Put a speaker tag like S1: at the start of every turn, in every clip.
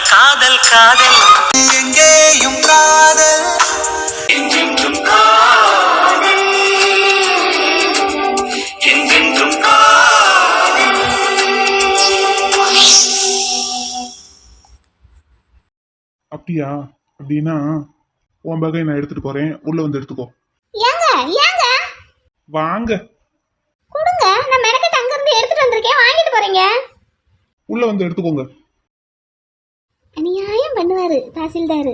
S1: காதல் காதல் எங்கேயும் காதல் என்றென்றும் காதல் என்றென்றும் காதல்.
S2: அப்படியா? அப்படின்னா உன் பகை நான் எடுத்துட்டு போறேன், உள்ள வந்து எடுத்துக்கோ.
S3: ஏங்க ஏங்க
S2: வாங்க,
S3: கொடுங்க, நான் மெனக்கட்டு அங்க இருந்து எடுத்துட்டு வந்திருக்கேன், வாங்கிட்டு போறீங்க.
S2: உள்ள வந்து எடுத்துக்கோங்க.
S3: அநியாயம் பண்ணுவாரு தாசில்தாரு.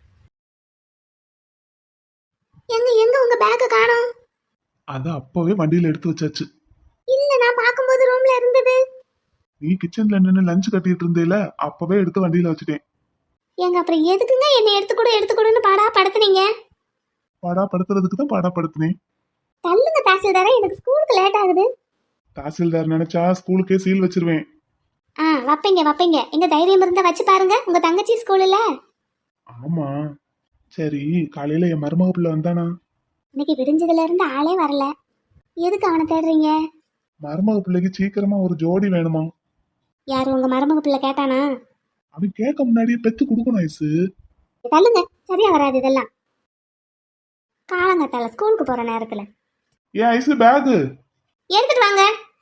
S3: எங்க எங்க உங்க பேக்க காணோம்?
S2: அத அப்பவே வண்டியில எடுத்து வச்சாச்சு.
S3: இல்ல, நான் பாக்கும்போது ரூம்ல இருந்தது.
S2: நீ கிச்சன்ல நின்னு லஞ்ச் கட்டிட்டு இருந்தேல, அப்பவே எடுத்து வண்டியில வச்சுட்டேன்.
S3: ஏங்க அப்புறம் எதுக்குங்க என்ன எடுத்துக்கூடுன்னு பாடா படுத்துனீங்க?
S2: பாடா படுத்துறதுக்கு தான் பாடா படுத்துனேன்.
S3: தள்ளுங்க தாசில்தாரே, எனக்கு ஸ்கூலுக்கு லேட் ஆகுது.
S2: தாசில்தார் நினைச்சா ஸ்கூலுக்கே சீல் வச்சிருவேன்.
S3: வைப்பீங்க. எங்க தைரியம் இருந்தா வச்சு பாருங்க, உங்க தங்கச்சி ஸ்கூல்ல.
S2: ஆமா, சரி. காலையில என் மருமக பிள்ளை வந்தானா?
S3: இன்னைக்கு விடிஞ்சதுல இருந்து ஆளே வரல. எதுக்கு அவனை தேடுறீங்க?
S2: மருமக பிள்ளைக்கு சீக்கிரமா ஒரு ஜோடி வேணுமா?
S3: யாரு உங்க மருமக பிள்ளை கேட்டானா?
S2: அவன் கேட்க முன்னாடியே பெத்து கொடுக்கணும் ஐசு.
S3: தள்ளுங்க, சரியா வராது இதெல்லாம். காலங்கத்தால ஸ்கூலுக்கு போற நேரத்துல
S2: ஏன் ஐசு பேக்
S3: எடுத்துட்டு வாங்க.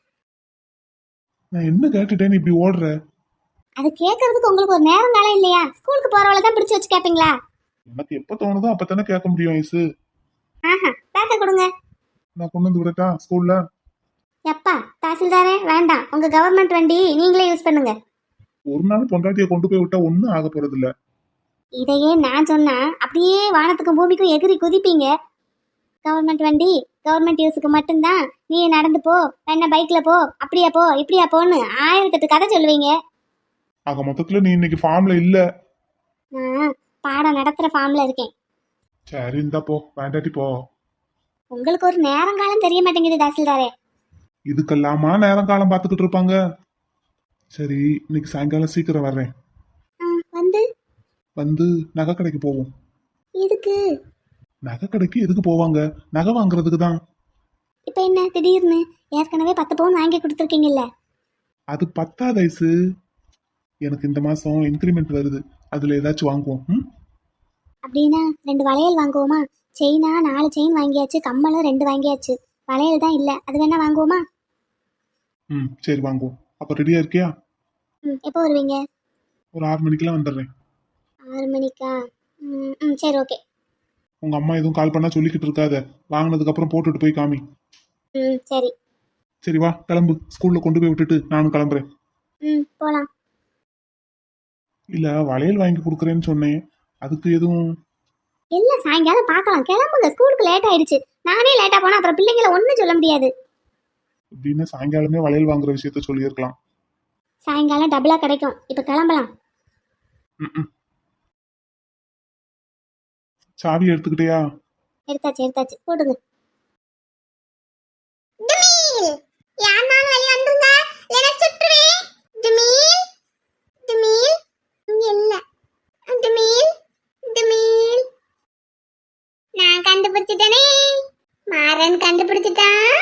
S2: நான் என்ன கேட்டுட்டேன், நீ இப்படி ஓடுற?
S3: அது கேட்கறதுக்கு உங்களுக்கு ஒரு நேரம் காலம் இல்லையா? ஸ்கூலுக்கு போறவள தான் பிடிச்சு வச்சு கேப்பீங்களா?
S2: எனக்கு எப்ப தோணுதோ அப்பதானே கேட்க முடியும் ஐசு.
S3: ஆஹா, பேக்க கொடுங்க.
S2: நான் கொண்டு வந்து விடட்டா ஸ்கூல்ல?
S3: எப்பா தாசில்தாரே, வேண்டாம், உங்க கவர்மெண்ட் வண்டி நீங்களே யூஸ் பண்ணுங்க.
S2: ஒரு நாள் பொண்டாட்டியை கொண்டு போய் விட்டா ஒன்னும் ஆக போறது இல்ல.
S3: இதையே நான் சொன்னா அப்படியே வானத்துக்கும் பூமிக்கும் எகிரி குதிப்பீங்க. கவர்மெண்ட் வண்டி கவர்மெண்ட் யூஸுக்கு மட்டும்தான். நீ நடந்து போ, என்ன பைக்ல போ, அப்படியா போ இப்படியா போன்னு 1008 கதை சொல்லுவீங்க.
S2: ஆக மொத்தத்துல நீ இன்னைக்கு ஃபார்ம்ல இல்ல.
S3: நான் பாடம் நடத்துற ஃபார்ம்ல இருக்கேன்.
S2: சரி, இந்தா போ, வேண்டாட்டி போ.
S3: உங்களுக்கு ஒரு நேரம் காலம் தெரிய மாட்டேங்குது தாசில்தாரே.
S2: இதுக்கெல்லாமா நேரம் காலம் பாத்துக்கிட்டு இருப்பாங்க. சரி, இன்னைக்கு சாயங்காலம் சீக்கிரம் வர்றேன்.
S3: வந்து
S2: வந்து நகை கடைக்கு போவோம்.
S3: எதுக்கு?
S2: நகை கடைக்கு எதுக்கு போவாங்க? நகை வாங்குறதுக்கு தான்.
S3: இப்ப என்ன திடீர்னு? ஏற்கனவே 10 பவுன் வாங்கி கொடுத்துருக்கீங்கல்ல.
S2: அது 10 ஐசு. எனக்கு இந்த மாசம் இன்கிரிமெண்ட் வருது, அதுல ஏதாச்சும் வாங்குவோம்.
S3: அப்படின்னா 2 வளையல் வாங்குவோமா? செயினா 4 செயின் வாங்கியாச்சு, கம்மலும் 2 வாங்கியாச்சு, வளையல் தான் இல்ல, அது வேணா வாங்குவோமா?
S2: சரி வாங்குவோம். அப்ப ரெடியா இருக்கியா?
S3: எப்போ வருவீங்க?
S2: ஒரு 6 மணிக்கெல்லாம் வந்துடுறேன்.
S3: 6 மணிக்கா? சரி, ஓகே.
S2: உங்க அம்மா எதுவும் கால் பண்ணா சொல்லிக்கிட்டு இருக்காத, வாங்கினதுக்கு அப்புறம் போட்டுட்டு போய் காமி.
S3: சரி.
S2: சரி வா, கிளம்பு. ஸ்கூல்ல கொண்டு போய் விட்டுட்டு நானும் கிளம்புறேன்.
S3: போலாம்.
S2: இல்ல, வளையல் வாங்கி கொடுக்குறேன்னு சொன்னேன், அதுக்கு எதுவும்?
S3: இல்ல, சாயங்காலம் பார்க்கலாம், கிளம்புங்க. ஸ்கூலுக்கு லேட் ஆயிடுச்சு. நானே லேட்டா போனா அப்புறம் பிள்ளைங்களை ஒண்ணும் சொல்ல முடியாது.
S2: இப்படின்னு சாயங்காலமே வளையல் வாங்குற விஷயத்த சொல்லியிருக்கலாம்.
S3: சாயங்காலம் டபுளா கிடைக்கும். இப்ப கிளம்பலாம்.
S2: சாவி எடுத்துக்கிட்டியா?
S3: எடுத்தாச்சு, போடுங்க. யாருனாலும் வெளிய வந்துருங்க, இல்லனா சுற்றுவேன். ஜமீல் ஜமீல் இங்க இல்ல. ஜமீல் நான் கண்டுபிடிச்சிட்டேனே. மாறன் கண்டுபிடிச்சிட்டான்.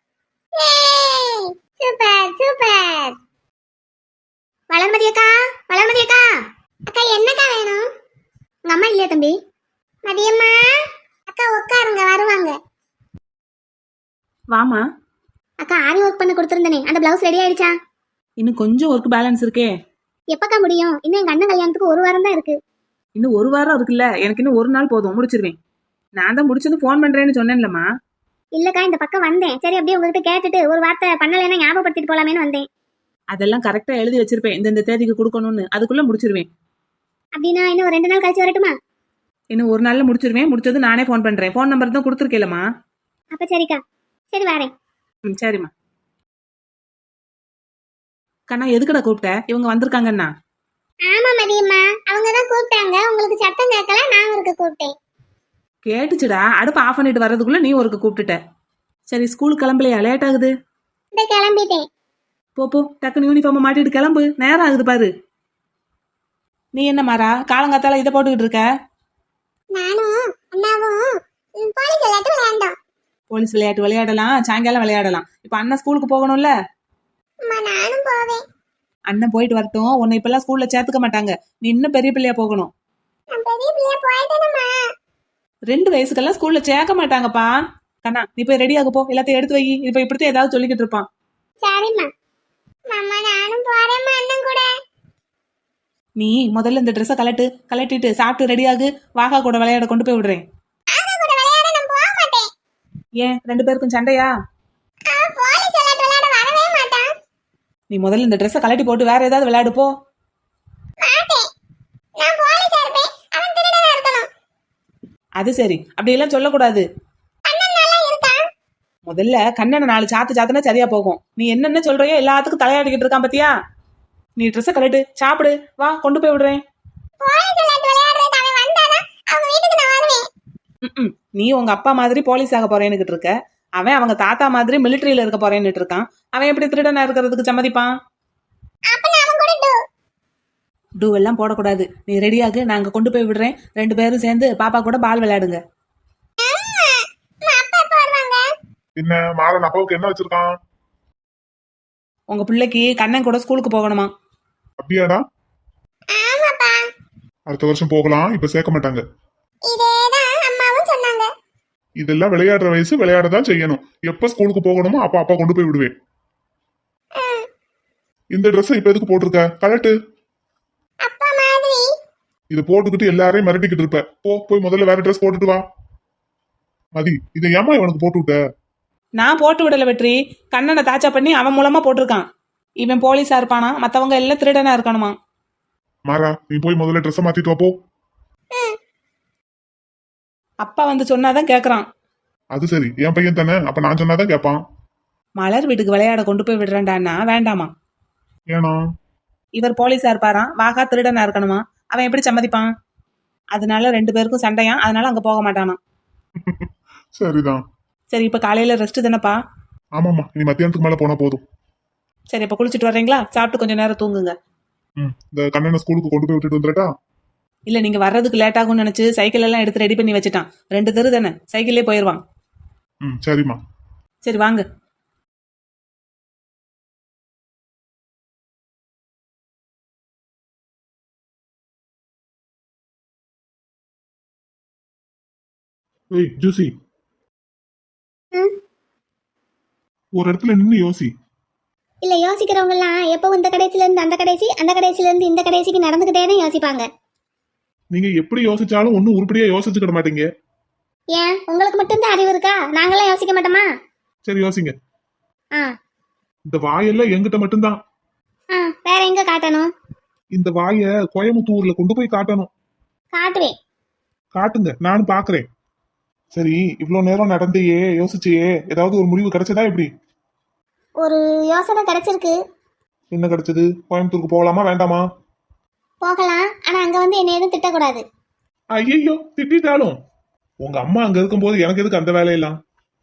S3: சூப்பர். வளர்மதி அக்கா அக்கா, என்னக்கா வேணும்? உங்க அம்மா இல்லையா தம்பி? மதியம்மா அக்கா உட்காருங்க, வருவாங்க.
S4: வாமா.
S3: அக்கா, ஆரி ஒர்க் பண்ண கொடுத்துருந்தனே, அந்த பிளவுஸ் ரெடி ஆயிடுச்சா?
S4: இன்னும் கொஞ்சம் ஒர்க் பேலன்ஸ் இருக்கே.
S3: எப்பக்கா முடியும்? இன்னும் எங்க அண்ணன் கல்யாணத்துக்கு 1 வாரம் தான் இருக்கு.
S4: இன்னும் 1 வாரம் இருக்குல்ல, எனக்கு இன்னும் 1 நாள் போதும், முடிச்சிருவேன். நான் தான் முடிச்சது ஃபோன் பண்றேன்னு சொன்னேன்லம்மா.
S3: இல்லக்கா, இந்த பக்கம் வந்தேன். சரி, அப்படியே உங்ககிட்ட கேட்டுட்டு ஒரு வார்த்தை பண்ணலைன்னா ஞாபகப்படுத்திட்டு போலாமேன்னு வந்தேன்.
S4: அதெல்லாம் கரெக்டா எழுதி வச்சிருப்பேன், இந்த தேதிக்கு கொடுக்கணும்னு. அதுக்குள்ள முடிச்சிருவேன்.
S3: அப்படின்னா இன்னும் ஒரு 2 நாள் கழிச்சு வரட்டுமா?
S4: இன்னும் 1 நாள்ல முடிச்சிருவேன். முடிச்சது நானே ஃபோன் பண்றேன். ஃபோன் நம்பர் தான் கொடுத்துருக்கேலம்மா.
S3: அப்ப சரிக்கா, சரி வரேன்.
S4: சரிம்மா. கண்ணா, எதுக்கடா கூப்பிட்ட? இவங்க வந்திருக்காங்கண்ணா.
S3: ஆமா மதியம்மா, அவங்க தான் கூப்பிட்டாங்க. உங்களுக்கு சத்தம் கேட்கல, நான் ஒருக்கு கூப்பிட்டேன்.
S4: கேட்டுச்சுடா, அடுப்பு ஆஃப் பண்ணிட்டு வர்றதுக்குள்ள நீ ஒருக்கு கூப்பிட்டுட்ட. சரி, ஸ்கூலுக்கு கிளம்பலையா? லேட் ஆகுது.
S3: இந்த கிளம்பிட்டேன்.
S4: போ, டக்குன்னு யூனிஃபார்மை மாட்டிட்டு கிளம்பு, நேரம் ஆகுது பாரு. நீ என்ன மாறா காலங்காத்தால இதை போட்டுக்கிட்டு இருக்க?
S3: நானும் அண்ணாவும் போலீஸ் விளையாட்டு விளையாண்டோம்.
S4: போலீஸ் விளையாட்டு விளையாடலாம், சாயங்காலம் விளையாடலாம். இப்ப அண்ணா ஸ்கூலுக்கு போகணும்ல.
S3: நானும் போவேன்.
S4: அண்ணன் போயிட்டு வரட்டும், உன்னை இப்பெல்லாம் ஸ்கூல்ல சேர்த்துக்க மாட்டாங்க. நீ இன்னும் பெரிய பிள்ளையா போகணும். 2 வயசுக்கெல்லாம் ஸ்கூல்ல சேர்க்க மாட்டாங்கப்பா. கண்ணா நீ போய் ரெடி ஆக போ, எல்லாத்தையும் எடுத்து வை. இப்ப இப்படித்தான் ஏதாவது சொல்லிக்கிட்டு இருப்பான்.
S3: சரிம்மா. மாமா நானும் போறேம்மா அண்ணன் கூட.
S4: நீ முதல்ல இந்த ட்ரெஸ்ஸை கலட்டிட்டு சாப்பிட்டு ரெடி ஆகு. வாகா கூட விளையாட கொண்டு போய் விடுறேன்.
S3: ஆகா கூட விளையாட நான் போக மாட்டேன்.
S4: ஏன் 2 பேருக்கும் சண்டையா?
S3: அவன் போலீஸ் விளையாட வரவே மாட்டான்.
S4: நீ முதல்ல இந்த ட்ரெஸ்ஸை கலட்டி போட்டு வேற ஏதாவது விளையாடு போ.
S3: மாட்டேன். நான் போலீஸா இருப்பேன். அவன் திருடனா இருக்கணும்.
S4: அது சரி, அப்படியெல்லாம் சொல்லக்கூடாது.
S3: அண்ணன் நல்லா இருக்கான்.
S4: முதல்ல கண்ணனை 4 சாத்துனா சரியா போகும். நீ என்னென்ன சொல்றியோ எல்லாத்துக்கும் தலையாடிக்கிட்டு இருக்கான் பாத்தியா? நீ ட்ரெஸ்ஸை கலட்டு சாப்பிடு, வா கொண்டு போய் விடுறேன்.
S3: போலீஸ் விளையாடுறதுக்கு அவன் வந்தாதான் அவங்க வீட்டுக்கு நான் வருவேன்.
S4: நீ உங்க அப்பா மாதிரி போலீஸ் ஆக போறேன்னு இருக்க, அவன் அவங்க தாத்தா மாதிரி மிலிட்டரியில இருக்க போறேன்னு இருக்கான். அவன் எப்படி திருடனா இருக்கிறதுக்கு சம்மதிப்பான்?
S3: அப்ப நான் அவன் கூட
S4: டூ எல்லாம் போடக்கூடாது. நீ ரெடியாகு, நான் அங்க கொண்டு போய் விடுறேன். 2 பேரும் சேர்ந்து பாப்பா கூட பால் விளையாடுங்க.
S3: அப்பா எப்ப வருவாங்க?
S2: என்ன மாறன் அப்பாவுக்கு என்ன வச்சிருக்கான்?
S4: உங்க பிள்ளைக்கு கண்ணன் கூட ஸ்கூலுக்கு போகணுமா?
S2: அப்படியாடா?
S3: ஆமாப்பா.
S2: அடுத்த வருஷம் போகலாம், இப்ப சேர்க்க மாட்டாங்க.
S3: இதேதான் அம்மாவும் சொன்னாங்க.
S2: இதெல்லாம் விளையாடுற வயசு, விளையாடதான் செய்யணும். எப்ப ஸ்கூலுக்கு போகணுமோ அப்ப அப்பா கொண்டு போய் விடுவேன். இந்த ட்ரெஸ் இப்ப எதுக்கு போட்டிருக்க? கலட்டு.
S3: அப்பா மாதிரி.
S2: இதை போட்டுக்கிட்டு எல்லாரையும் மிரட்டிக்கிட்டு இருப்ப. போய் முதல்ல வேற ட்ரெஸ் போட்டுட்டு வா. மதி, இதை ஏமா இவனுக்கு போட்டு விட்ட?
S4: நான் போட்டு விடல வெற்றி. கண்ணனை தாச்சா பண்ணி அவன் மூலமா போட்டிருக்கான். இவன் போலீஸா இருப்பானா, மத்தவங்க எல்லாம் திருடனா இருக்கணுமா?
S2: மாறா, நீ போய் முதல்ல ட்ரெஸ் மாத்திட்டு வா போ.
S4: அப்பா வந்து சொன்னாதான் கேக்குறான்.
S2: அது சரி, என் பையன் தானே, அப்ப நான் சொன்னாதான் கேட்பான்.
S4: மலர் வீட்டுக்கு விளையாட கொண்டு போய் விடுறேன்டான்னா வேண்டாமா?
S2: ஏனா?
S4: இவர் போலீஸா இருப்பாராம், வாகா திருடனா இருக்கணுமா? அவன் எப்படி சம்மதிப்பான்? அதனால 2 பேருக்கும் சண்டையா, அதனால அங்க போக மாட்டானா.
S2: சரிதான்.
S4: சரி, இப்ப காலையில ரெஸ்ட் தானப்பா?
S2: ஆமாம்மா, இனி மத்தியானத்துக்கு மேல போனா போதும்.
S4: சரி, இப்ப குளிச்சுட்டு வர்றீங்களா? சாப்பிட்டு கொஞ்ச நேரம் தூங்குங்க.
S2: இந்த கண்ணனை ஸ்கூலுக்கு கொண்டு போய் விட்டுட்டு வந்துடட்டா?
S4: இல்ல, நீங்க வர்றதுக்கு லேட் ஆகும்னு நினைச்சு சைக்கிள் எல்லாம் எடுத்து ரெடி பண்ணி வச்சுட்டான். 2 தெரு தானே, சைக்கிள்லயே போயிருவான்.
S2: சரிம்மா.
S4: சரி வாங்க.
S2: ஏய் ஜூசி, ஒரு இடத்துல நின்னு யோசி.
S3: இல்ல யோசிக்கிறவங்க எல்லாம் எப்பவும் இந்த கடைசில இருந்து அந்த கடைசி, அந்த கடைசில இருந்து இந்த கடைசிக்கு நடந்துகிட்டே தான் யோசிப்பாங்க.
S2: நீங்க எப்படி யோசிச்சாலும் ஒன்னும் உருப்படியா யோசிச்சுக்கிட மாட்டீங்க.
S3: ஏன் உங்களுக்கு மட்டும்தான் அறிவு இருக்கா? நாங்களாம் யோசிக்க மாட்டோமா?
S2: சரி யோசிங்க.
S3: ஆ
S2: இந்த வாயெல்லாம் எங்கிட்ட மட்டும்தான்.
S3: ஆ வேற எங்க காட்டணும்?
S2: இந்த வாய கோயம்புத்தூர்ல கொண்டு போய் காட்டணும்.
S3: காட்டுவேன்.
S2: காட்டுங்க, நானும் பாக்குறேன். சரி, இவ்வளவு நேரம் நடந்தையே யோசிச்சியே, ஏதாவது ஒரு முடிவு கிடைச்சதா? எப்படி?
S3: ஒரு யோசனை கிடைச்சிருக்கு.
S2: என்ன கிடைச்சது? கோயம்புத்தூருக்கு போகலாமா வேண்டாமா?
S3: போகலாம். ஆனா அங்க வந்து என்ன எதுவும் திட்டக்கூடாது.
S2: ஐயோ, திட்டாலும் உங்க அம்மா அங்க இருக்கும்போது எனக்கு எதுக்கு அந்த வேலையெல்லாம்?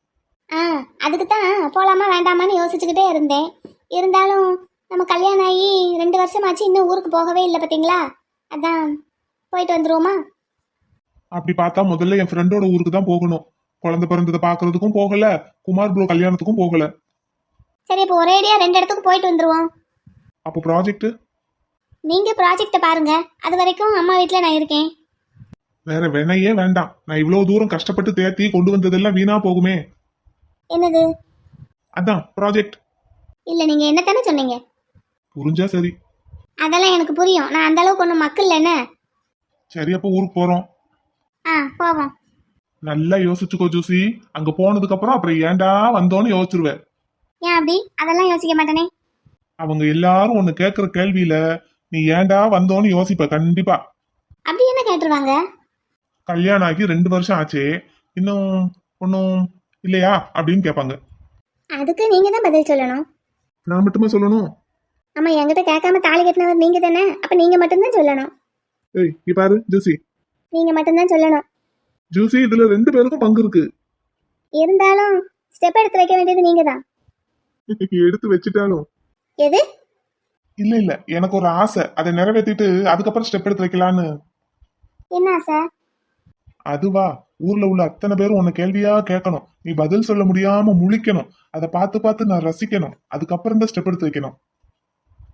S3: அதுக்கு தான் போகலாமா வேண்டாமான்னு யோசிச்சுக்கிட்டே இருந்தேன். இருந்தாலும் நம்ம கல்யாணம் ஆகி 2 வருஷமாச்சு, இன்னும் ஊருக்கு போகவே இல்லை பார்த்தீங்களா? அதான் போயிட்டு வந்துருவோமா?
S2: அப்படி பார்த்தா முதல்ல என் ஃப்ரெண்டோட ஊருக்கு தான் போகணும். குழந்தை பிறந்ததை பாக்குறதுக்கும் போகல, குமார் ப்ரோ கல்யாணத்துக்கும் போகல.
S3: சரி, இப்போ ஒரேடியா 2 இடத்துக்கு போயிட்டு வந்துருவோம்.
S2: அப்போ ப்ராஜெக்ட்?
S3: நீங்க ப்ராஜெக்ட பாருங்க, அது வரைக்கும் அம்மா வீட்டில் நான் இருக்கேன்.
S2: வேற வேணையே வேண்டாம். நான் இவ்வளவு தூரம் கஷ்டப்பட்டு தேத்தி கொண்டு வந்ததெல்லாம் வீணா போகுமே.
S3: என்னது?
S2: அதான் ப்ராஜெக்ட்.
S3: இல்ல, நீங்க என்னத்தானே சொன்னீங்க?
S2: புரிஞ்சா சரி.
S3: அதெல்லாம் எனக்கு புரியும். நான் அந்த அளவுக்கு ஒன்றும் மக்கள் என்ன.
S2: சரி, அப்போ ஊருக்கு போறோம்.
S3: போவோம்.
S2: நல்லா யோசிச்சுக்கோ ஜூசி. அங்க போனதுக்கு அப்புறம் அப்புறம் ஏன்டா வந்தோன்னு யோசிச்சிருவேன்.
S3: ஏன் அப்படி? அதெல்லாம் யோசிக்க மாட்டேனே.
S2: அவங்க எல்லாரும் ஒன்னு கேக்குற கேள்வியில நீ ஏன்டா வந்தோன்னு யோசிப்ப கண்டிப்பா.
S3: அப்படி என்ன கேட்டுருவாங்க?
S2: கல்யாணம் ஆகி 2 வருஷம் ஆச்சே, இன்னும் ஒன்னும் இல்லையா அப்படின்னு கேட்பாங்க.
S3: அதுக்கு நீங்க தான் பதில் சொல்லணும்.
S2: நான் மட்டுமே சொல்லணும்?
S3: ஆமா, என்கிட்ட கேட்காம தாலி கட்டினவர் நீங்க தானே. அப்ப நீங்க மட்டும்தான் சொல்லணும்.
S2: ஏய், இங்க பாரு ஜூசி.
S3: நீங்க மட்டும்தான் சொல்லணும்.
S2: ஜூசி, இதுல 2 பேருக்கும் பங்கு இருக்கு.
S3: இருந்தாலும் ஸ்டெப் எடுத்து வைக்க வேண்டியது நீங்க தான்.
S2: எடுத்து வச்சுட்டாலும்
S3: எது?
S2: இல்ல இல்ல, எனக்கு ஒரு ஆசை, அதை நிறைவேற்றிட்டு அதுக்கப்புறம் ஸ்டெப் எடுத்து வைக்கலான்னு.
S3: என்ன சார்?
S2: அதுவா, ஊர்ல உள்ள அத்தனை பேரும் உன்னை கேள்வியா கேட்கணும், நீ பதில் சொல்ல முடியாம முழிக்கணும், அதை பார்த்து பார்த்து நான் ரசிக்கணும், அதுக்கப்புறம் தான் ஸ்டெப் எடுத்து வைக்கணும்.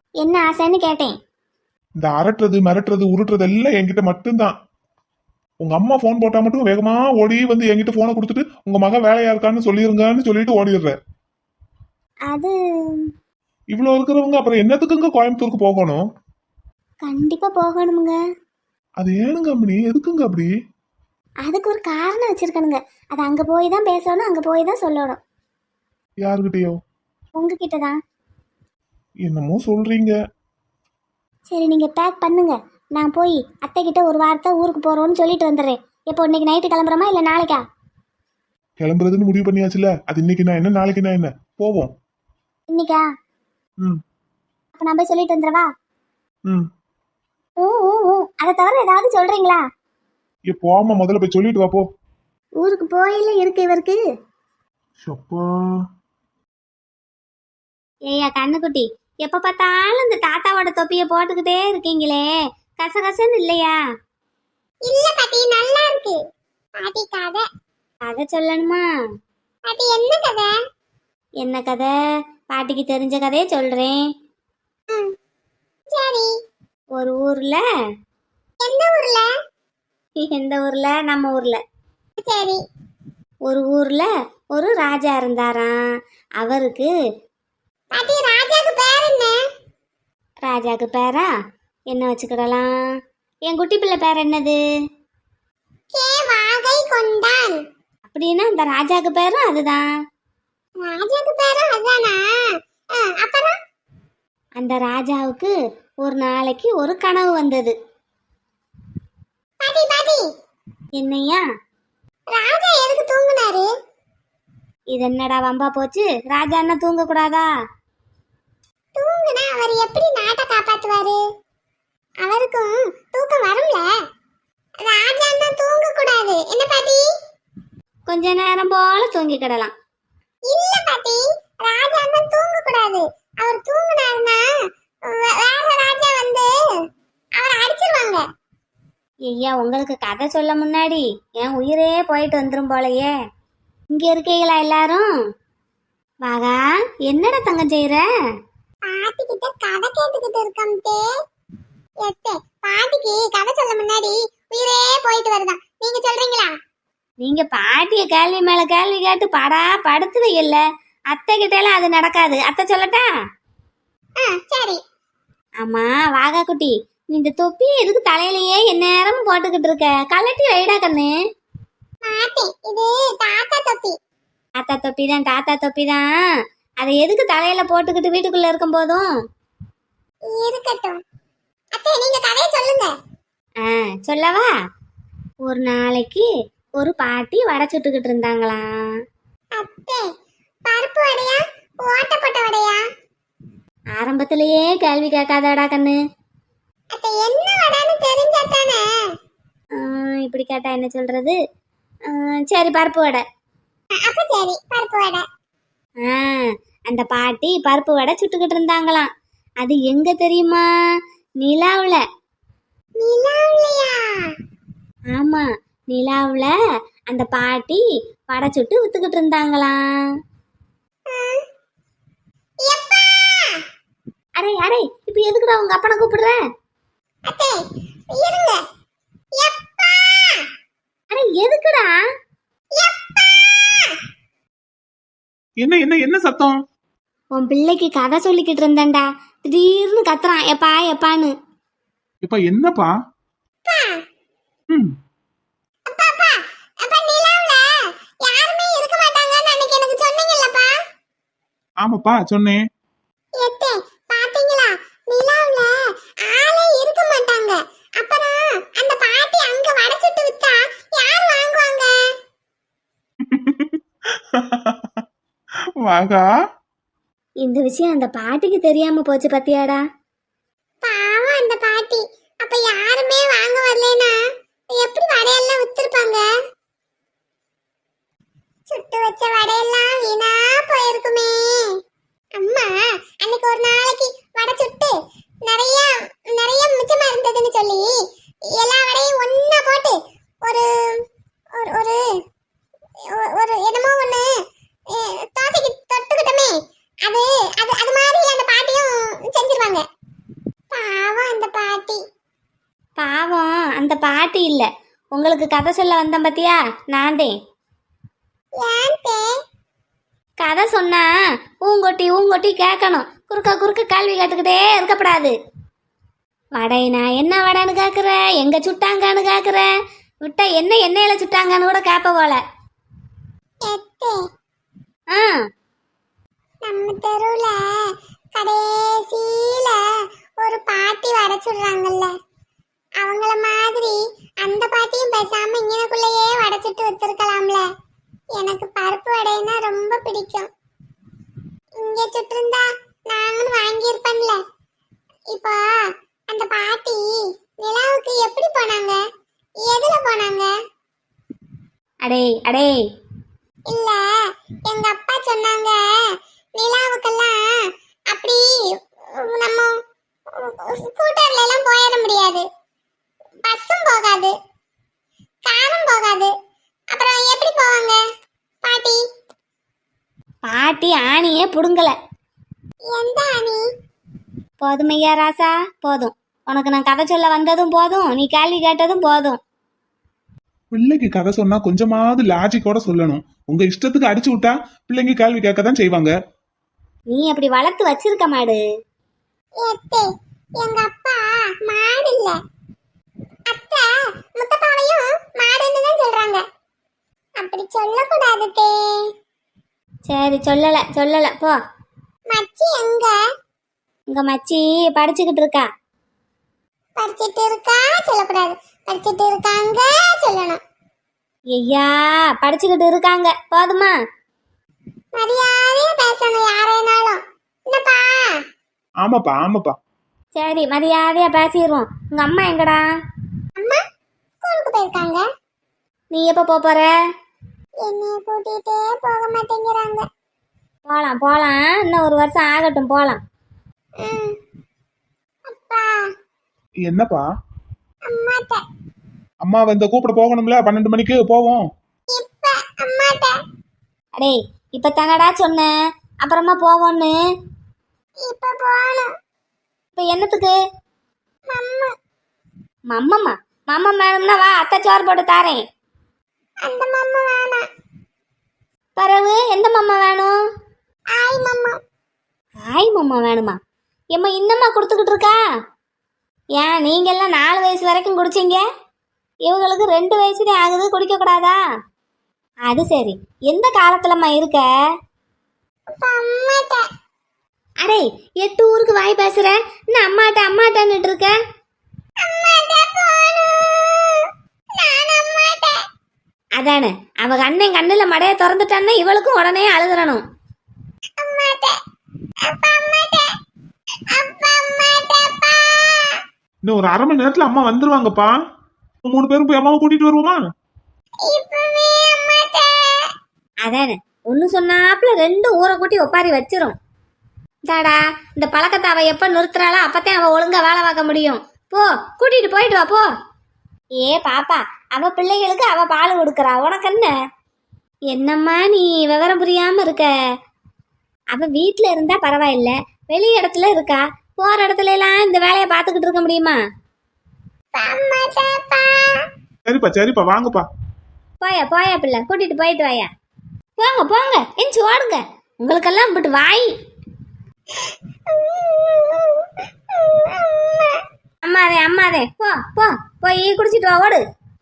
S3: என்ன ஆசைன்னு கேட்டேன்.
S2: இந்த அரட்டுறது மிரட்டுறது உருட்டுறது எல்லாம் என்கிட்ட மட்டும்தான். உங்க அம்மா போன் போட்டா மட்டும் வேகமா ஓடி வந்து என்கிட்ட போனை கொடுத்துட்டு உங்க மக வேலையா இருக்கான்னு சொல்லிருங்கன்னு சொல்லிட்டு ஓடிடுற.
S3: அது
S2: இவ்வளவு இருக்கிறவங்க அப்புறம் என்னத்துக்குங்க கோயம்புத்தூருக்கு போகணும்?
S3: கண்டிப்பா போகணுமுங்க.
S2: அது ஏனுங்க அப்படி எதுக்குங்க அப்படி?
S3: அதுக்கு ஒரு காரணம் வச்சிருக்கணுங்க. அது அங்க போய் தான் பேசணும், அங்க போய் தான் சொல்லணும்.
S2: யாருகிட்டயோ?
S3: உங்ககிட்ட தான்.
S2: என்னமோ சொல்றீங்க.
S3: சரி நீங்க பேக் பண்ணுங்க. நான் போய் அத்தை கிட்ட ஒரு வாரத்தை ஊருக்கு போறோம்னு சொல்லிட்டு வந்துடுறேன். எப்போ இன்னைக்கு நைட்டு கிளம்புறோமா இல்ல நாளைக்கா?
S2: கிளம்புறதுன்னு முடிவு பண்ணியாச்சுல, அது இன்னைக்கு நான் என்ன நாளைக்கு நான் என்ன போவோம்.
S3: இன்னைக்கா?
S2: ம்
S3: அப்ப நான் போய் சொல்லிட்டு வந்துடவா?
S2: ம்
S3: அதை தவிர ஏதாவது சொல்றீங்களா?
S2: போமா, முதல்ல போய் சொல்லிட்டு வா போ.
S3: ஊருக்கு போயில இருக்கு இவருக்கு.
S2: சப்பா.
S3: ஏய்யா கண்ணுக்குட்டி, எப்ப பார்த்தாலும் இந்த தாத்தாவோட தொப்பிய போட்டுக்கிட்டே இருக்கீங்களே, கசகசன்னு இல்லையா? இல்ல பாட்டி, நல்லா இருக்கு. பாட்டி கதை கதை சொல்லணுமா? பாட்டி என்ன கதை? என்ன கதை? பாட்டிக்கு தெரிஞ்ச கதையை சொல்றேன். சரி. ஒரு ஊர்ல. எந்த ஊர்ல? எந்த ஊர்ல? நம்ம ஊர்ல. சரி. ஒரு ஊர்ல ஒரு ராஜா இருந்தாராம். அவருக்கு பாட்டி ராஜாக்கு பேர் என்ன? ராஜாக்கு பேரா என்ன வச்சுக்கிடலாம்? என் குட்டி பிள்ளை பேர் என்னது? வாகை கொண்டான். அப்படின்னா இந்த ராஜாக்கு பேரும் அதுதான். ராஜாக்கு பேரும் அதுதானா? அப்புறம் அந்த ராஜாவுக்கு ஒரு நாளைக்கு ஒரு கனவு வந்தது. பாட்டி பாட்டி, என்னையா? ராஜா எதுக்கு தூங்குனாரு? இது என்னடா வம்பா போச்சு? ராஜா என்ன தூங்க கூடாதா? தூங்குனா அவர் எப்படி நாட்டை காப்பாத்துவாரு? அவருக்கும் தூக்கம் வரும்ல. ராஜா என்ன தூங்க கூடாது என்ன பாட்டி? கொஞ்ச நேரம் போல தூங்கி கிடலாம். இல்ல பாட்டி, ராஜா என்ன தூங்க கூடாது. அவர் தூங்குனாருன்னா வேற ராஜா வந்து அவரை அடிச்சிருவாங்க. ஐயா, உங்களுக்கு கதை சொல்ல முன்னாடி என் உயிரே போயிட்டு வந்துரும் போலயே. இங்க இருக்கீங்களா எல்லாரும்? வாகா, என்னடா தங்கம் செய்யற? பாட்டி கிட்ட கதை கேட்டுக்கிட்டு இருக்கம்தே. எத்தே, பாட்டிக்கு கதை சொல்ல முன்னாடி உயிரே போயிட்டு வருதா. நீங்க சொல்றீங்களா? நீங்க பாட்டிய கேள்வி மேல கேள்வி கேட்டு படா படுத்து வையல. அத்தை கிட்ட எல்லாம் அது நடக்காது. அத்தை சொல்லட்டா? சரி. ஆமா வாகா குட்டி, நீ இந்த தொப்பி எதுக்கு தலையிலேயே எந்நேரமும் போட்டுக்கிட்டு இருக்க? கலட்டி வைடா கண்ணு. இது தாத்தா தொப்பி. தாத்தா தொப்பி தான், தாத்தா தொப்பி தான். அதை எதுக்கு தலையில போட்டுக்கிட்டு வீட்டுக்குள்ள இருக்கும் போதும்? இருக்கட்டும். அத்தை, நீங்க கதையை சொல்லுங்க. சொல்லவா? ஒரு நாளைக்கு ஒரு பாட்டி வடை சுட்டுக்கிட்டு இருந்தாங்களாம். அத்தை, பருப்பு வடையா ஓட்டப்பட்ட வடையா? ஆரம்பத்திலேயே கேள்வி கேட்காதடா கண்ணு. அத்தை, என்ன வடைன்னு தெரிஞ்சா தானே. இப்படி கேட்டா என்ன சொல்றது? சரி, பருப்பு வடை. அப்ப சரி, பருப்பு வடை. அந்த பாட்டி பருப்பு வடை சுட்டுக்கிட்டு இருந்தாங்களாம். அது எங்க தெரியுமா? நிலாவுல. நிலாவுலயா? ஆமா, நிலாவுல அந்த பாட்டி வடை சுட்டு வித்துக்கிட்டு இருந்தாங்களாம். அடே அடே, இப்ப எதுக்குடா உங்க அப்பனை கூப்பிடுற? அடே எதுக்குடா?
S2: என்ன என்ன என்ன சத்தம்?
S3: உன் பிள்ளைக்கு கதை சொல்லிக்கிட்டு இருந்தேன்டா, திடீர்னு கத்துறான் எப்பா எப்பான்னு.
S2: இப்ப என்னப்பா? ம் ஆமாப்பா சொன்னேன்.
S3: பாத்தீங்களா, நிலாவுல ஆளே இருக்க மாட்டாங்க. அப்புறம் அந்த பாட்டி அங்க வடை சுட்டு வித்தா யார் வாங்குவாங்க?
S2: வாகா,
S3: இந்த விஷயம் அந்த பாட்டிக்கு தெரியாம போச்சு பத்தியாடா. பாவம் அந்த பாட்டி. அப்ப யாருமே வாங்க வரலனா எப்படி வடையெல்லாம் வித்திருப்பாங்க? சுட்டு வச்ச வடையெல்லாம் வீணா போயிருக்குமே. அம்மா அன்னைக்கு ஒரு நாளைக்கு வடை சுட்டு நிறைய நிறைய மிச்சமா இருந்ததுன்னு சொல்லி எல்லா வடையும் ஒண்ணா போட்டு ஒரு ஒரு ஒரு என்னமோ ஒண்ணு தோசைக்கு தொட்டுக்கிட்டோமே, அது அது அது மாதிரி அந்த பாட்டியும் செஞ்சிருவாங்க. பாட்டி இல்ல, உங்களுக்கு கதை சொல்ல வந்தேன் பாத்தியா, நான் தான். கதை சொன்னா ஊங்கொட்டி ஊங்கொட்டி கேட்கணும், குறுக்க குறுக்க கேள்வி கேட்டுக்கிட்டே இருக்கப்படாது. வடைனா என்ன வடைன்னு கேட்குற, எங்க சுட்டாங்கன்னு கேட்குற, விட்டா என்ன எண்ணெயில சுட்டாங்கன்னு கூட கேட்ப போல. ஆ,
S5: நம்ம தெருவுல கடைசியில ஒரு பாட்டி வடை சுடுறாங்கல்ல, அவங்கள மாதிரி அந்த பாட்டியும் பேசாம இங்கனக்குள்ளேயே வடை சுட்டு வச்சிருக்கலாம்ல. எனக்கு பருப்பு வடைன்னா ரொம்ப பிடிக்கும். இங்க சுட்டிருந்தா நாங்களும் வாங்கியிருப்பேன்ல. இப்போ அந்த பாட்டி நிலாவுக்கு எப்படி போனாங்க, எதுல போனாங்க?
S3: அடே அடே,
S5: இல்ல, எங்க அப்பா சொன்னாங்க நிலாவுக்கெல்லாம் அப்படி நம்ம ஸ்கூட்டர்ல எல்லாம் போயிட முடியாது, பஸ்ஸும் போகாது, காரும் போகாது, அப்புறம் எப்படி போவாங்க பாட்டி?
S3: பாட்டி ஆணியே புடுங்கல.
S5: எந்த அணி?
S3: போதுமையா ராசா, போதும். உனக்கு நான் கதை சொல்ல வந்ததும் போதும், நீ கேள்வி கேட்டதும் போதும்.
S2: பிள்ளைக்கு கதை சொன்னா கொஞ்சமாவது லாஜிக்கோட சொல்லணும். உங்க இஷ்டத்துக்கு அடிச்சு விட்டா பிள்ளைங்க கேள்வி கேட்க தான் செய்வாங்க.
S3: நீ அப்படி வளர்த்து வச்சிருக்க மாடு.
S5: எத்தே, எங்க அப்பா மாடு இல்ல, அத்தை முத்தப்பாவையும் மாடுன்னு தான் சொல்றாங்க. அப்படி சொல்லக்கூடாது தே.
S3: சரி, சொல்லல சொல்லல, போ.
S5: மச்சி எங்க?
S3: உங்க மச்சி படிச்சுக்கிட்டு இருக்கா.
S5: படிச்சிட்டு இருக்கா சொல்லக்கூடாது, படிச்சிட்டு இருக்காங்க சொல்லணும்.
S3: ஐயா, படிச்சுக்கிட்டு இருக்காங்க, போதுமா?
S5: மரியாதையா பேசணும் யாரேனாலும், என்னப்பா?
S2: ஆமாப்பா ஆமாப்பா.
S3: சரி, மரியாதையா பேசிடுவோம். உங்க அம்மா எங்கடா?
S5: அம்மா ஸ்கூலுக்கு போயிருக்காங்க.
S3: நீ எப்போ போற?
S5: என்னைய கூட்டிட்டே போக மாட்டேங்கிறாங்க.
S3: போலாம் போலாம், இன்னும் ஒரு வருஷம் ஆகட்டும், போலாம்.
S5: ம். அப்பா,
S2: என்னப்பா?
S5: அம்மாட்ட
S2: அம்மா வந்து கூப்பிட போகணும்ல, 12 மணிக்கு போவோம்.
S5: இப்ப அம்மாட்ட
S3: அடே, இப்ப தானடா சொன்னேன் அப்புறமா போவோன்னு.
S5: இப்ப போகணும்.
S3: இப்ப என்னத்துக்கு?
S5: மம்மு,
S3: மம்மம்மா மம்மம் வேணும்னா வா, அத்தை சோறு போட்டு தாரேன்.
S5: அந்த மம்மு வேணாம்.
S3: பிறகு எந்த மம்மா வேணும்?
S5: ஆய் மம்மு.
S3: ஆய் மம்மா வேணுமா? எம்மா இன்னம்மா கொடுத்துக்கிட்டு இருக்கா? ஏன் நீங்க எல்லாம் 4 வயசு வரைக்கும் குடிச்சீங்க, இவங்களுக்கு 2 வயசுதான் ஆகுது, குடிக்க கூடாதா? அது சரி, எந்த காலத்துலம்மா இருக்க?
S5: இப்ப அம்மாட்ட.
S3: அடே, 8 ஊருக்கு வாய் பேசுற, இன்னும் அம்மாட்ட அம்மாட்டன்னுட்டு இருக்க.
S5: அம்மாட்ட போகணும். நான் அம்மாட்ட.
S3: அதானே, அவ அண்ணன் கண்ணுல மடைய திறந்துட்டான்னா இவளுக்கும் உடனே அழுதுறணும்.
S5: அம்மாட்ட. அப்பா அம்மாட்ட. அப்பா அம்மாட்டப்பா.
S2: இன்னும் ஒரு 1/2 மணி நேரத்துல அம்மா வந்துருவாங்கப்பா. 3 பேரும் போய் அம்மாவை கூட்டிட்டு வருவோமா?
S5: இப்பவே அம்மாட்ட.
S3: அதானே, ஒன்று சொன்னாப்புல 2 ஊரை கூட்டி ஒப்பாரி வச்சிரும். தாடா, இந்த பழக்கத்தை அவ எப்ப நிறுத்துறாளோ அப்பத்தான் அவ ஒழுங்கா வேலை பார்க்க முடியும். போ, கூட்டிட்டு போயிட்டு வா, போ. ஏ பாப்பா, அவ பிள்ளைகளுக்கு அவ பால் கொடுக்கறா, உனக்கு என்ன? என்னம்மா நீ விவரம் புரியாம இருக்க? அவ வீட்டுல இருந்தா பரவாயில்ல, வெளி இடத்துல இருக்கா, போற இடத்துல எல்லாம் இந்த வேலையை பார்த்துக்கிட்டு இருக்க முடியுமா?
S5: அம்மாட்டப்பா.
S2: சரிப்பா சரிப்பா, வாங்கப்பா.
S3: போயா போயா பிள்ளை, கூட்டிட்டு போயிட்டு வாயா. போங்க போங்க, எஞ்சி ஓடுங்க, உங்களுக்கெல்லாம் இப்படி வாய். அம்மாதே அம்மாதே, போ போ, போய் குடிச்சிட்டு வா, ஓடு.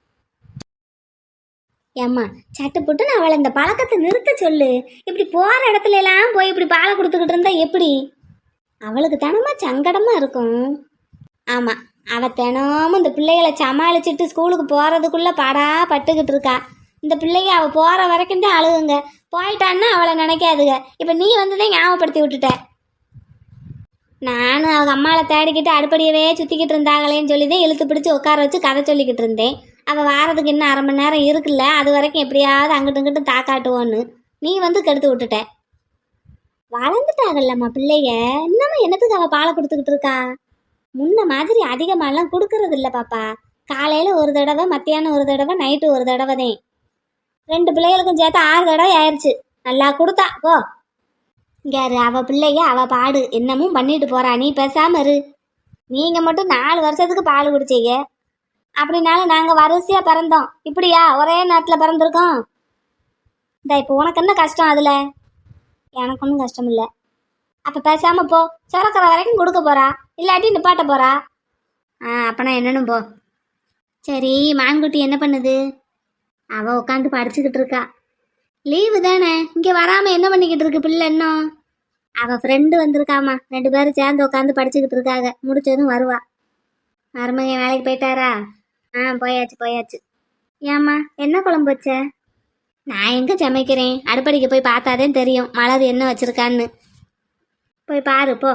S3: ஏம்மா, சட்டு புட்டு நான் அவளை இந்த பழக்கத்தை நிறுத்த சொல்லு. இப்படி போற இடத்துல எல்லாம் போய் இப்படி பாலை கொடுத்துக்கிட்டு இருந்தா எப்படி? அவளுக்கு தினமா சங்கடமா இருக்கும். ஆமா, அவ தினமும் இந்த பிள்ளைகளை சமாளிச்சுட்டு ஸ்கூலுக்கு போறதுக்குள்ள பாடா பட்டுக்கிட்டு இருக்கா. இந்த பிள்ளைங்க அவ போற வரைக்கும் தான் அழுகுங்க, போயிட்டான்னா அவளை நினைக்காதுங்க. இப்ப நீ வந்துதான் ஞாபகப்படுத்தி விட்டுட்ட. நானும் அவங்க அம்மாவை தேடிக்கிட்டு அடுப்படியவே சுத்திக்கிட்டு இருந்தாங்களேன்னு சொல்லிதான் இழுத்து பிடிச்சி உட்கார வச்சு கதை சொல்லிக்கிட்டு இருந்தேன். அவள் வாரதுக்கு இன்னும் 1/2 மணி நேரம் இருக்குல்ல, அது வரைக்கும் எப்படியாவது அங்கிட்டு இங்கிட்டு தாக்காட்டுவோன்னு நீ வந்து கெடுத்து விட்டுட்ட. வளர்ந்துட்டாங்கல்லம்மா பிள்ளைய, இன்னமும் என்னத்துக்கு அவள் பாலை கொடுத்துக்கிட்டு இருக்கா? முன்ன மாதிரி அதிகமாகலாம் கொடுக்கறது இல்லை பாப்பா. காலையில் ஒரு தடவை, மத்தியானம் ஒரு தடவை, நைட்டு ஒரு தடவை தான். 2 பிள்ளைகளுக்கும் சேர்த்து 6 தடவை ஆயிடுச்சு. நல்லா கொடுத்தா போ. யாரு அவ பிள்ளைங்க, அவ பாடு என்னமும் பண்ணிட்டு போறா, நீ பேசாம இரு. நீங்க மட்டும் 4 வருஷத்துக்கு பால் குடிச்சீங்க, அப்படின்னாலும் நாங்கள் வரிசையாக பிறந்தோம். இப்படியா ஒரே நேரத்தில் பிறந்திருக்கோம்? இந்த இப்போ உனக்கு என்ன கஷ்டம் அதில்? எனக்கு ஒன்றும் கஷ்டம் இல்லை. அப்போ பேசாமல் போ. சுரக்கிற வரைக்கும் கொடுக்க போகிறா, இல்லாட்டி நிப்பாட்ட போகிறா. அப்போனா என்னன்னு போ. சரி, மான்குட்டி என்ன பண்ணுது? அவள் உட்காந்து படிச்சுக்கிட்டு இருக்கா. லீவு தானே, இங்கே வராமல் என்ன பண்ணிக்கிட்டு இருக்கு பிள்ளை இன்னும்? அவள் ஃப்ரெண்டு வந்திருக்காமா, 2 பேரும் சேர்ந்து உட்காந்து படிச்சுக்கிட்டு இருக்காங்க. முடிச்சதும் வருவா. மருமகன் வேலைக்கு போயிட்டாரா? போயாச்சு. ஏம்மா என்ன குழம்பு வச்ச? நான் எங்கே சமைக்கிறேன், அடுப்படிக்கு போய் பார்த்தாதே தெரியும் மலர் என்ன வச்சிருக்கான்னு. போய் பாரு போ.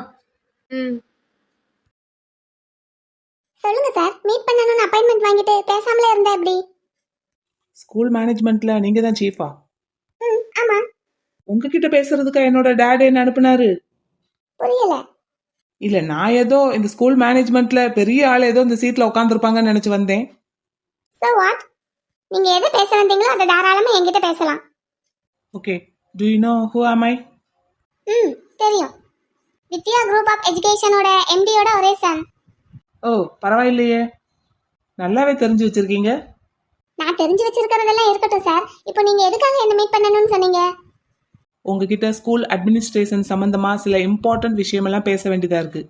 S5: சொல்லுங்க சார், மீட் பண்ணணும்னு அப்பாயின்மெண்ட் வாங்கிட்டு பேசாமலே இருந்தா எப்படி?
S4: ஸ்கூல் மேனேஜ்மெண்ட்ல நீங்க தான் சீஃபா?
S5: ஆமா.
S4: உங்ககிட்ட பேசுறதுக்கா என்னோட டேட் என்ன அனுப்புனாரு?
S5: புரியல.
S4: இல்ல, நான் ஏதோ இந்த ஸ்கூல் மேனேஜ்மெண்ட்ல பெரிய ஆள் ஏதோ இந்த சீட்ல உட்காந்துருப்பாங்கன்னு நினைச்சு வந்தேன்.
S5: So what? நீங்க எதை பேச வந்தீங்களோ அதை தாராளமா என்கிட்ட பேசலாம்.
S4: Okay, do you know who am I?
S5: தெரியும். வித்யா குரூப் ஆஃப் எஜுகேஷனோட எம்டியோட ஒரே சன்.
S4: ஓ, பரவாயில்லையே, நல்லாவே தெரிஞ்சு வச்சிருக்கீங்க.
S5: நான் தெரிஞ்சு வச்சிருக்கிறதெல்லாம் இருக்கட்டும் சார். இப்போ நீங்க எதுக்காக என்ன மீட் பண்ணணும்னு சொன்னீங்க?
S4: உங்ககிட்ட ஸ்கூல் அட்மினிஸ்ட்ரேஷன் சம்பந்தமா சில இம்பார்ட்டன்ட் விஷயமெல்லாம் பேச வேண்டியதா இருக்கு.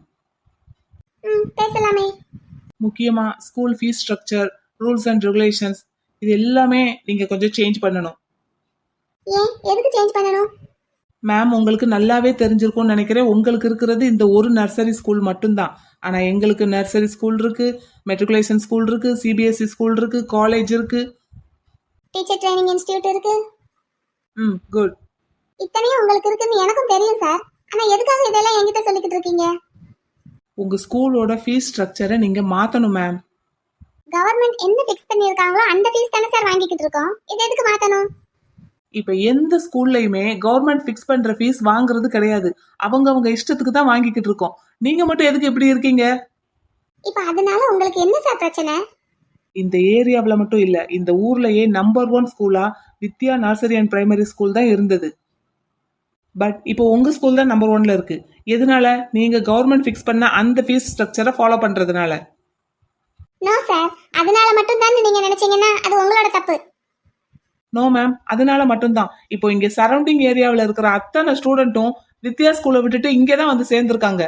S5: பேசலாமே.
S4: முக்கியமா school fees structure, rules and regulations, இது எல்லாமே நீங்க கொஞ்சம் சேஞ்ச் பண்ணணும்.
S5: ஏன், எதுக்கு சேஞ்ச் பண்ணணும்?
S4: மேம், உங்களுக்கு நல்லாவே தெரிஞ்சிருக்கும்னு நினைக்கிறேன். உங்களுக்கு இருக்கிறது இந்த ஒரு நர்சரி ஸ்கூல் மட்டும்தான். ஆனா எங்களுக்கு நர்சரி ஸ்கூல் இருக்கு, மெட்ரிகுலேஷன் ஸ்கூல் இருக்கு, சிபிஎஸ்இ ஸ்கூல் இருக்கு, காலேஜ் இருக்கு,
S5: டீச்சர் ட்ரைனிங் இன்ஸ்டிடியூட் இருக்கு.
S4: குட்.
S5: இத்தனையும் உங்களுக்கு இருக்குன்னு எனக்கும் தெரியும் சார். ஆனா எதுக்காக இதெல்லாம் என்கிட்ட சொல்லிக்கிட்டு இருக்கீங்க?
S4: உங்க ஸ்கூலோட ஃபீஸ் ஸ்ட்ரக்சரை நீங்க மாத்தணும் மேம்.
S5: கவர்மெண்ட் என்ன ஃபிக்ஸ் பண்ணிருக்காங்களோ அந்த ஃபீஸ் தானே சார் வாங்கிக்கிட்டு இருக்கோம். இது எதுக்கு மாத்தணும்?
S4: இப்ப எந்த ஸ்கூல்லையுமே கவர்மெண்ட் ஃபிக்ஸ் பண்ற ஃபீஸ் வாங்குறது கிடையாது. அவங்க இஷ்டத்துக்கு தான் வாங்கிக்கிட்டு இருக்கோம். நீங்க மட்டும் எதுக்கு இப்படி இருக்கீங்க?
S5: இப்ப அதனால உங்களுக்கு என்ன சார் பிரச்சனை?
S4: இந்த ஏரியாவுல மட்டும் இல்ல, இந்த ஊர்லயே நம்பர் 1 ஸ்கூலா Vidya nursery and primary school தான் இருந்தது. பட் இப்போ உங்க ஸ்கூல் தான் நம்பர் 1ல இருக்கு. எதனால? நீங்க கவர்மெண்ட் ஃபிக்ஸ் பண்ண அந்த ஃபீஸ் ஸ்ட்ரக்சரை ஃபாலோ பண்றதுனால.
S5: நோ சார், அதனால மட்டும் தான் நீங்க நினைச்சீங்கன்னா அது உங்களோட தப்பு.
S4: நோ மேம், அதனால மட்டும்தான். இப்போ இங்க சரௌண்டிங் ஏரியாவில் இருக்கிற அத்தனை ஸ்டூடெண்ட்டும் வித்யா ஸ்கூலை விட்டுட்டு இங்கே தான் வந்து சேர்ந்துருக்காங்க.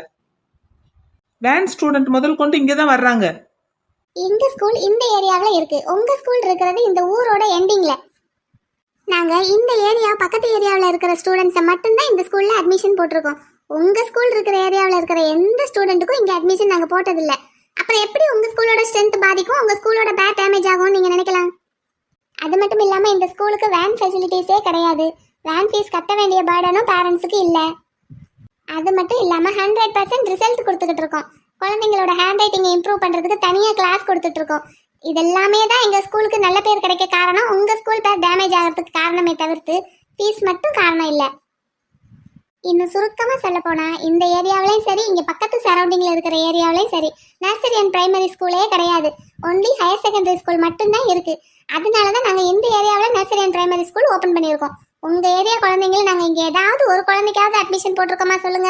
S4: வேன் ஸ்டூடெண்ட் முதல் கொண்டு இங்கே தான் வர்றாங்க.
S5: எங்க ஸ்கூல் இந்த ஏரியாவில் இருக்கு, உங்க ஸ்கூல் இருக்கிறது இந்த ஊரோட எண்டிங்ல. நாங்க இந்த ஏரியா பக்கத்து ஏரியாவில் இருக்கிற ஸ்டூடெண்ட்ஸை மட்டும்தான் இந்த ஸ்கூல்ல அட்மிஷன் போட்டிருக்கோம். உங்க ஸ்கூல் இருக்கிற ஏரியாவில் இருக்கிற எந்த ஸ்டூடெண்ட்டுக்கும் இங்க அட்மிஷன் நாங்க போட்டதில்லை. அப்புறம் எப்படி உங்க ஸ்கூலோட ஸ்ட்ரென்த் பாதிக்கும், உங்க ஸ்கூலோட பேட் டேமேஜ் ஆகும் நீங்க நினைக்கலாம். அது மட்டும் இல்லாம இந்த ஸ்கூலுக்கு வேன் ஃபெசிலிட்டிஸே கிடையாது. வேன் ஃபீஸ் கட்ட வேண்டிய பேர்டனும் பேரண்ட்ஸுக்கு இல்லை. அது மட்டும் இல்லாம 100% ரிசல்ட் கொடுத்துக்கிட்டு இருக்கோம். குழந்தைங்களோட ஹேண்ட் ரைட்டிங்கை இம்ப்ரூவ் பண்றதுக்கு தனியாக கிளாஸ் கொடுத்துட்டு இருக்கோம். இதெல்லாமே தான் எங்க ஸ்கூலுக்கு நல்ல பேர் கிடைக்க காரணம். உங்க ஸ்கூல் பேர் டேமேஜ் ஆகிறதுக்கு காரணமே தவிர்த்து ஃபீஸ் மட்டும் காரணம் இல்லை. இன்னும் சுருக்கமா சொல்ல போனா இந்த ஏரியாவிலையும் சரி, இங்க பக்கத்து சரௌண்டிங்ல இருக்கிற ஏரியாவிலையும் சரி, நர்சரி அண்ட் பிரைமரி ஸ்கூலே கிடையாது. ஒன்லி ஹையர் செகண்டரி ஸ்கூல் மட்டும்தான் இருக்கு. அதனாலதான் நாங்க இந்த ஏரியாவில் nursery and primary school open பண்ணியிருக்கோம். உங்க ஏரியா குழந்தைங்களை நாங்க இங்க ஏதாவது ஒரு குழந்தைக்காவது அட்மிஷன் போட்டிருக்கோமா சொல்லுங்க?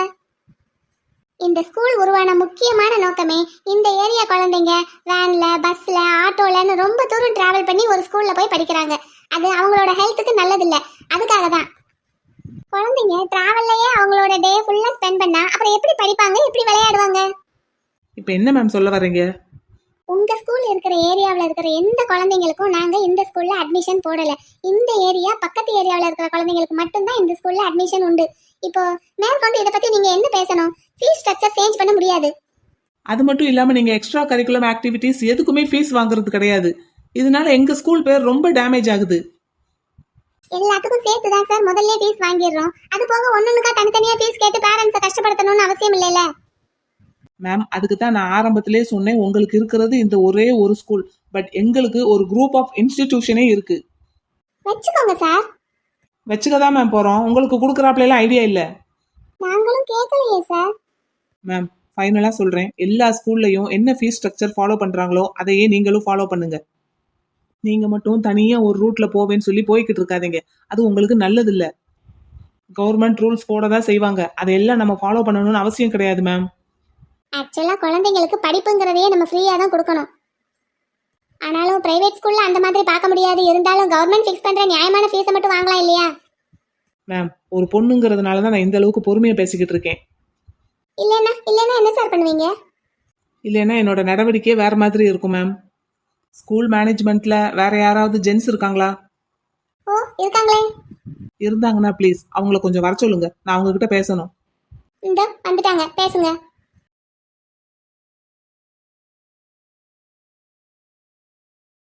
S5: இந்த ஸ்கூல் உருவான முக்கியமான நோக்கமே இந்த ஏரியா குழந்தைங்க வேன்ல, பஸ்ல, ஆட்டோலன்னு ரொம்ப தூரம் டிராவல் பண்ணி ஒரு ஸ்கூல்ல போய் படிக்கிறாங்க. அது அவங்களோட ஹெல்த்துக்கு நல்லதில்லை. அதுக்காக தான் குழந்தைங்க டிராவல்லையே அவங்களோட டே ஃபுல்லா ஸ்பெண்ட் பண்ணா அப்புறம் எப்படி படிப்பாங்க, எப்படி விளையாடுவாங்க?
S4: இப்போ என்ன மேம் சொல்ல வர்றீங்க?
S5: உங்க ஸ்கூல் இருக்கிற ஏரியாவில் இருக்கிற எந்த குழந்தைங்களுக்கும் நாங்க இந்த ஸ்கூல்ல அட்மிஷன் போடல. இந்த ஏரியா பக்கத்து ஏரியாவில் இருக்கிற குழந்தைங்களுக்கு மட்டும்தான் இந்த ஸ்கூல்ல அட்மிஷன் உண்டு. இப்போ மேற்கொண்டு இதை பத்தி நீங்க என்ன பேசணும்? ஃபீஸ் ஸ்ட்ரக்சர் சேஞ்ச் பண்ண முடியாது.
S4: அது மட்டும் இல்லாம நீங்க எக்ஸ்ட்ரா கரிக்குலம் ஆக்டிவிட்டிஸ் எதுக்குமே ஃபீஸ் வாங்குறது கிடையாது. இதனால எங்க ஸ்கூல் பேர் ரொம்ப டேமேஜ் ஆகுது.
S5: எல்லாத்துக்கும் சேர்த்து தான் சார் முதல்ல ஃபீஸ் வாங்கிடுறோம். அது போக ஒன்னொன்னுக்கா தனித்தனியா ஃபீஸ் கேட்டு பேரண்ட்ஸை கஷ்டப்படுத்தணும்னு அவசியம் இல்லைல்ல.
S4: மேம், அதுக்கு தான் நான் ஆரம்பத்திலே சொன்னேன், உங்களுக்கு இருக்கிறது இந்த ஒரே ஒரு ஸ்கூல். பட் எங்களுக்கு ஒரு குரூப் ஆஃப் இன்ஸ்டிடியூஷனே இருக்கு.
S5: வச்சுக்கோங்க சார்.
S4: வச்சுக்கதான் மேம் போறோம். உங்களுக்கு கொடுக்குறாப்லாம் ஐடியா இல்ல.
S5: நாங்களும் கேட்கலையே சார்.
S4: மேம், ஃபைனலா சொல்றேன், எல்லா ஸ்கூல்லையும் என்ன ஃபீஸ் ஸ்ட்ரக்சர் ஃபாலோ பண்றாங்களோ அதையே நீங்களும் ஃபாலோ பண்ணுங்க. நீங்க மட்டும் தனியா ஒரு ரூட்ல போவேன்னு சொல்லி போய்கிட்டு இருக்காதீங்க. அது உங்களுக்கு நல்லது இல்ல. கவர்மெண்ட் ரூல்ஸ் போட தான் செய்வாங்க. அதையெல்லாம் நம்ம ஃபாலோ பண்ணணும்னு அவசியம் கிடையாது மேம்.
S5: ஆக்சுவலா குழந்தைங்களுக்கு படிப்புங்கிறதையே நம்ம ஃப்ரீயா தான் கொடுக்கணும். ஆனாலும் பிரைவேட் ஸ்கூல்ல அந்த மாதிரி பார்க்க முடியாது. இருந்தாலும் கவர்மெண்ட் ஃபிக்ஸ் பண்ற நியாயமான ஃபீஸை மட்டும் வாங்கலாம் இல்லையா?
S4: மேம் ஒரு பொண்ணுங்கிறதுனால தான் நான் இந்த அளவுக்கு பொறுமையா பேசிக்கிட்டு இருக்கேன்.
S5: இல்லைன்னா என்ன சார் பண்ணுவீங்க?
S4: இல்லைன்னா என்னோட நடவடிக்கையே வேற மாதிரி இருக்கும் மேம். ஸ்கூல் மேனேஜ்மெண்ட்ல வேற யாராவது ஜென்ஸ் இருக்காங்களா?
S5: ஓ இருக்காங்களே.
S4: இருந்தாங்கன்னா ப்ளீஸ் அவங்கள கொஞ்சம் வர சொல்லுங்க, நான் அவங்க கிட்ட பேசணும்.
S5: இந்த வந்துட்டாங்க, பேசுங்க.